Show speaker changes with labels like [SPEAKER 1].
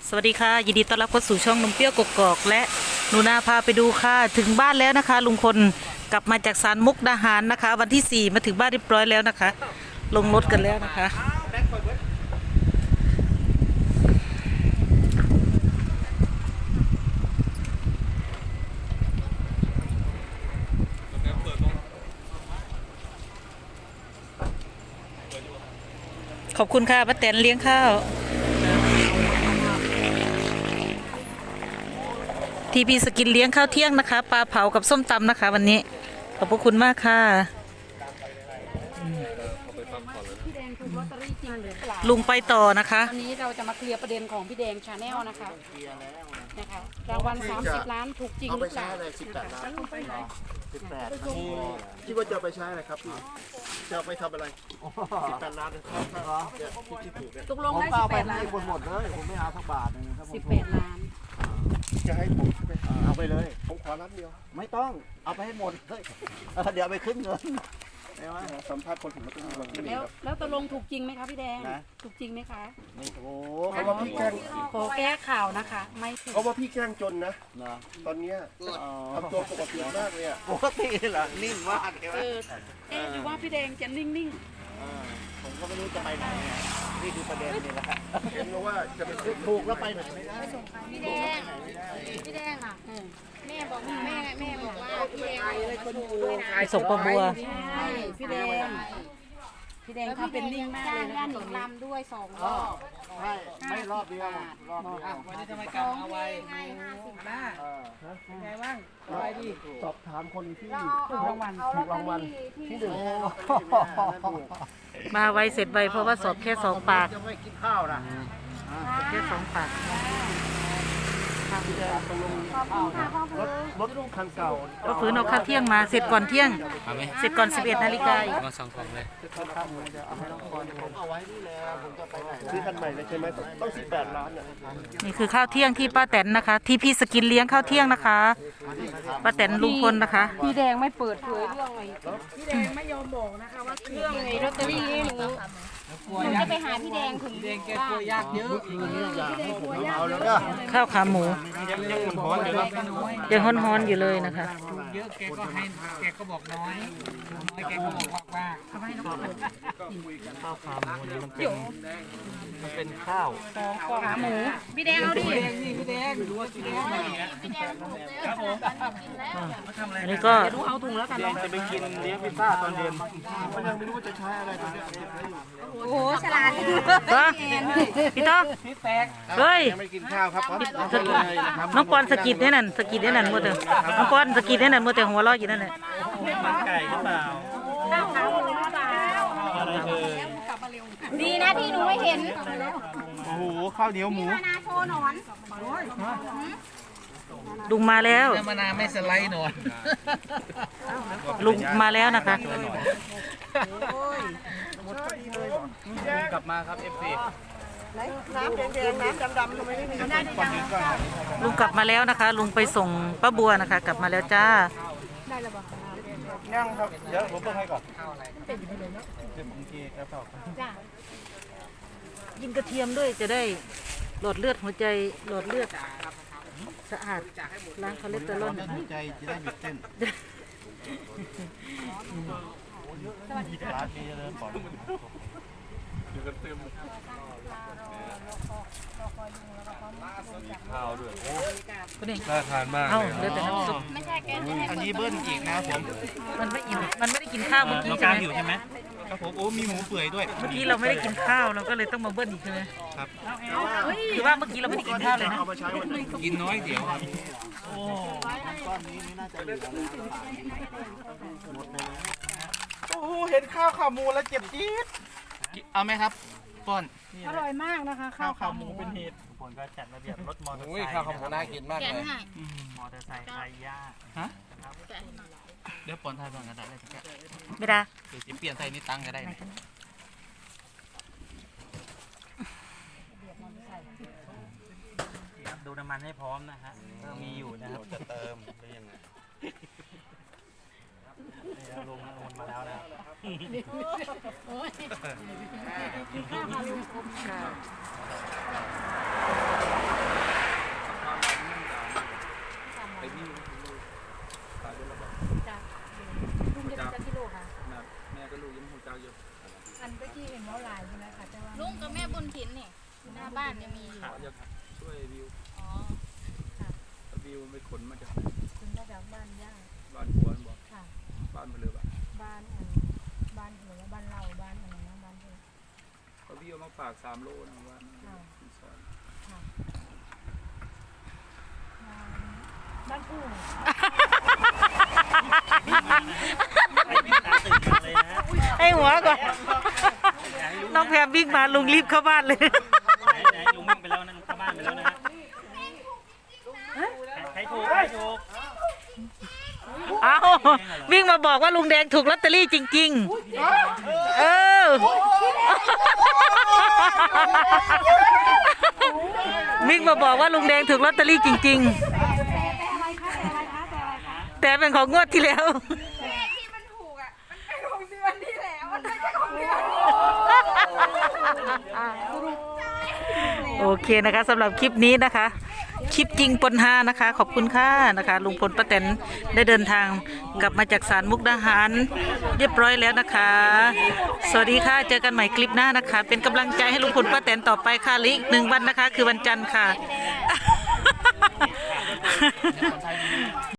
[SPEAKER 1] สวัสดีค่ะยินดีต้อนรับเข้าสู่ช่องนมเปรี้ยวกกอกและหนูนาพาไปดูค่ะถึงบ้านแล้วนะคะลุงพลกลับมาจากศาลมุกดาหารนะคะ วันที่ 4มาถึงบ้านเรียบร้อยแล้วนะคะ ลงรถกันแล้วนะคะขอบคุณค่ะป้าแตนเลี้ยงข้าวทีพีสกินเลี้ยงข้าวเที่ยงนะคะปลาเผากับส้มตำนะคะวันนี้ขอบพระคุณมากค่ะ
[SPEAKER 2] พี่แดงถูกลอตเตอรี่จริงหรือเปล่า
[SPEAKER 1] ลุงไปต่อนะคะ
[SPEAKER 2] วันนี้เราจะมาเคลียร์ประเด็นของพี่แดงชาแนลนะคะรางวัล30 ล้านถูกจริงหรือเปล่า
[SPEAKER 3] อะไร18 ล้าน18คิดว่าจะเอาไปใช้อะไรครับพี่จะเอาไปทำอะไร18 ล้านนะครับเนี่ยพี่คิดถูกเนี่ย
[SPEAKER 2] ตกลงได้18 ล้าน
[SPEAKER 4] คนหมดเลยผมไม่เอาสักบาทนึงครับผม
[SPEAKER 2] 18 ล้าน
[SPEAKER 3] จะให้ผมไป
[SPEAKER 4] เอาไปเลย
[SPEAKER 3] ผมขอล้านเดียว
[SPEAKER 4] ไม่ต้องเอาไปให้หมดเลยเดี๋ยวเอาไปขึ้นเงินใช่ไหม
[SPEAKER 3] สัมภาษณ์คนถึงมาต้องวันนี้
[SPEAKER 2] แล้วตกลงถูกจริงไหมคะพี่แดง
[SPEAKER 4] นะ
[SPEAKER 2] ถูกจริงไหมคะ
[SPEAKER 4] โอ้
[SPEAKER 3] เขาว่าพี่แกล้ง
[SPEAKER 2] ขอแก้ข่าวนะคะ ไม่ถูก
[SPEAKER 3] เขาว่าพี่แกล้งจนนะ
[SPEAKER 4] เนาะ
[SPEAKER 3] ตอนเนี้ยทำตัวปกติมากเลยอ่ะ
[SPEAKER 4] ปกติเหรอนิ่งมากใช่ไหม
[SPEAKER 2] หรือว่าพี่แดงจะนิ่ง
[SPEAKER 4] ผมก็ไม่รู้จะไปไหนนี่คือประเด็นนี่แหละ
[SPEAKER 3] เห็นว่าจะไปซื้อ
[SPEAKER 4] ถูกแล้วไปไหนไม่ได้
[SPEAKER 5] พี่แดงพี่แดงอ่ะแม่บอกว่าแม่บอกว่าพี่แดงมาโชว์ด้วยนะ
[SPEAKER 1] ไปส่งปลาบัว
[SPEAKER 2] ๆใช่พี่แดงพี่แดงทำเป็นนิ่งมากเลย
[SPEAKER 5] ย่า
[SPEAKER 2] นะ
[SPEAKER 5] หนิงลำด้วย2 รอบ
[SPEAKER 4] ใช่ไม่รอบเดียวรอบเดียว
[SPEAKER 5] 2เพลงให้50 บาท
[SPEAKER 2] ไงบ้างไปดิ
[SPEAKER 3] สอบถามคนที่
[SPEAKER 5] เรา
[SPEAKER 3] ถูกรางวัล
[SPEAKER 5] เอา
[SPEAKER 3] ถูกรางวัล
[SPEAKER 5] ที่
[SPEAKER 3] ที่ 1
[SPEAKER 1] มาไวเสร็จไวเพราะว่าสอบแค่2 ปาก
[SPEAKER 4] จะไม่กินข้าวนะ
[SPEAKER 1] แค่2 ปาก
[SPEAKER 5] ขอบคุณค่ะพ่อเพื่อ
[SPEAKER 3] รถคันเก่า
[SPEAKER 1] ก็ฝืนเอาข้าวเที่ยงมาเสร็จก่อนเที่ยงเสร็จก่อน 11 นาฬิกาอีก
[SPEAKER 6] มาสองของเลย
[SPEAKER 4] ผมเอาไว้นี่แหละผมจะไปไหน
[SPEAKER 3] ซื้อคันใหม่เลยใช่ไหมต้อง18 ล้านอ่ะ
[SPEAKER 1] นี่คือข้าวเที่ยงที่ป้าแตนนะคะ ที่พี่สกินเลี้ยงข้าวเที่ยงนะคะป้าแตนลุงพลนะคะ
[SPEAKER 2] พี่แดงไม่เปิดเผยเรื่องอะไรพี่แดงไม่ยอมบอกนะคะว่าเรื่องไอ้ลอตเตอรี่นี่หนู
[SPEAKER 5] หนูจะไปหาพี่แดงถึงบ้าน
[SPEAKER 2] ยากเยอะ
[SPEAKER 4] เอาแล้วก็
[SPEAKER 1] ข้าวขาหมู
[SPEAKER 6] ยังมันร้อนอยู่เนาะ
[SPEAKER 1] ยังฮ้อนๆอยู่เลยนะคะ
[SPEAKER 6] เยอะแกก็ให้แกก็บอกน้อยแกก็บอกว่าทำไมน้องข้าวขาหมูนี่มันเป็นข้าว
[SPEAKER 2] ขาหมู
[SPEAKER 5] พี่แดงเอาดิ
[SPEAKER 6] พี่แดงรู้ว่าพี่แดง
[SPEAKER 5] พี่แดงถูกแล้วผมกินแล้ว
[SPEAKER 1] อันนี้ก็
[SPEAKER 2] ดูเอาถุงแล้วกันเนาะ
[SPEAKER 6] จะไปกินเลี้ยงพิซซ่าตอนเย็น
[SPEAKER 3] มันยังไม่รู้ว่าจะใช้อะไรตอนเนี้ย
[SPEAKER 5] โอ้โหฉลาด
[SPEAKER 1] ก็พี่ต๊อกเฮ้ย
[SPEAKER 3] ยังไม่กินข้าวครับเพราะ
[SPEAKER 1] น้องปอนสกิดให้นั่นสกิดให้นั่นมัวแต่น้องปอนสกิดให้นั่นมัวแต่หัวเราะอยู่นั่นแหละ
[SPEAKER 6] มันไก่หรือเปล่า
[SPEAKER 5] ข้าวขาหมูหรือเปล่า
[SPEAKER 6] อะไรเอ่ย
[SPEAKER 5] ดีนะที่หนูไม่เห็น
[SPEAKER 6] โอ้โหข้าวเหนียวหมู
[SPEAKER 5] มานาโชว์หนอน
[SPEAKER 1] ลุงมาแล้ว
[SPEAKER 6] น้ำมะนาวไม่สไลด์หนอน
[SPEAKER 1] ลุงมาแล้วนะคะ
[SPEAKER 6] กลับมาครับ FC
[SPEAKER 1] ลุงกลับมาแล้วนะคะ ลุงไปส่งป้าบัวนะคะ กลับมาแล้วจ้า
[SPEAKER 6] ย่างครับ เดี๋ยวผมต้องให้ก่อนเป็นอยู่เลยเนาะเดี๋ยวผมทีกระเป๋า
[SPEAKER 5] จ้ะ
[SPEAKER 1] กินกระเทียมด้วยจะได้หลอดเลือดหัวใจหลอดเลือดสะอาดล้างคอเลสเตอรอล
[SPEAKER 4] ใจจะได้หยุดเต้นร้านนี้เริ่มก่อน
[SPEAKER 6] ข้าวด้วย
[SPEAKER 1] ก็นี่
[SPEAKER 6] น่าทานมาก
[SPEAKER 1] เอ้า
[SPEAKER 6] เลย
[SPEAKER 1] เหลือแต่น้ำซุป
[SPEAKER 5] ไม่ใช่แกจะให้
[SPEAKER 6] อันนี้เบิ้ลอีกนะครับผม
[SPEAKER 1] มันไม่อิ่มมันไม่ได้กินข้าวเมื่อกี้
[SPEAKER 6] น้อง
[SPEAKER 1] ใช่
[SPEAKER 6] การ
[SPEAKER 1] ไหม
[SPEAKER 6] อยู่ใช่ไหมครับผม โอ้ มีหมูเปื่อยด้วย
[SPEAKER 1] เมื่อกี้เราไม่ได้กินข้าวเราก็เลยต้องมาเบิ้ลอีกใช่ไหม
[SPEAKER 6] ครับ
[SPEAKER 1] คือว่าเมื่อกี้เราไม่ได้กินข้าวเลยนะ
[SPEAKER 3] เอามาใช้วันนี้
[SPEAKER 6] กินน้อยเดี๋ยวครับ
[SPEAKER 4] ก้อนนี้ไม่น่าจะเหลือแล้วหมดเลย
[SPEAKER 6] โอ้โห เห็นข้าวขาหมูแล้วเจ็บจี๊ดเอาไหมครับป้อน
[SPEAKER 2] อร่อยมากนะคะข้าวขาหมูเป็นเหตุ
[SPEAKER 6] คนก็จัดระเบียบรถมอเตอร์ไซค์ข้าวขาหมูน่ากินมาก
[SPEAKER 5] แกะ
[SPEAKER 6] เลย
[SPEAKER 5] ให้
[SPEAKER 6] มอเตอร์ไซค์ไทยย่าฮะ
[SPEAKER 5] แกะให้หน่อย
[SPEAKER 6] เดี๋ยวป้อนไทยบ้างก็ได้เลยแก
[SPEAKER 1] ไม่ได้
[SPEAKER 6] เดี๋ยวจะเปลี่ยนใส่นี่ตังก็ได้นะดูน้ำมันให้พร้อมนะฮะมีอยู่นะครับจะเติมหรือยังไงลงมาแล้วนะ
[SPEAKER 1] ค่ะ
[SPEAKER 5] านยังมีอยู่
[SPEAKER 7] อยากช่วยวิว
[SPEAKER 5] อ๋อค่ะ
[SPEAKER 7] วิวไปขนมาจาก
[SPEAKER 5] คุณมาจากบ้านย่า
[SPEAKER 7] บ้านผัวบอก
[SPEAKER 5] ค่ะ
[SPEAKER 7] บ้านมาเลยบ้าน
[SPEAKER 5] บ้านบ้านหรือว่าบ้านเราบ้านอะไรนะบ้านเธอ
[SPEAKER 7] เขาวิวมาฝาก3 โลนะบ้าน
[SPEAKER 5] ค่ะ
[SPEAKER 7] ซอย
[SPEAKER 5] ค่ะบ้านอู่
[SPEAKER 1] ให้หัวก่อน น้องแพรวิ่งมาลุงรีบเข้าบ้านเลย
[SPEAKER 4] ไหนลุงวิ่งไปแล้วนะลุงเข้าบ้านไปแล้วนะฮะใครถูกใครถูก
[SPEAKER 1] เอาวิ่งมาบอกว่าลุงแดงถูกลอตเตอรี่จริงๆ เออ วิ่งมาบอกว่าลุงแดงถูกลอตเตอรี่จริงๆ แต่เป็นของงวดที่แล้ว
[SPEAKER 5] ที่มันถูกอ่ะมันเป็นของเดือนที่แล้วมันไม่ใช่ของเดือน
[SPEAKER 1] โอเคนะคะสำหรับคลิปนี้นะคะ คลิปจริงปนฮานะคะ ขอบคุณค่ะนะคะ ลุงพลป้าแตนได้เดินทางกลับมาจากศาลมุกดาหารเรียบร้อยแล้วนะคะ สวัสดีค่ะเจอกันใหม่คลิปหน้านะคะ เป็นกำลังใจให้ลุงพลป้าแตนต่อไปค่ะอีก1 วันนะคะ คือวันจันทร์ค่ะ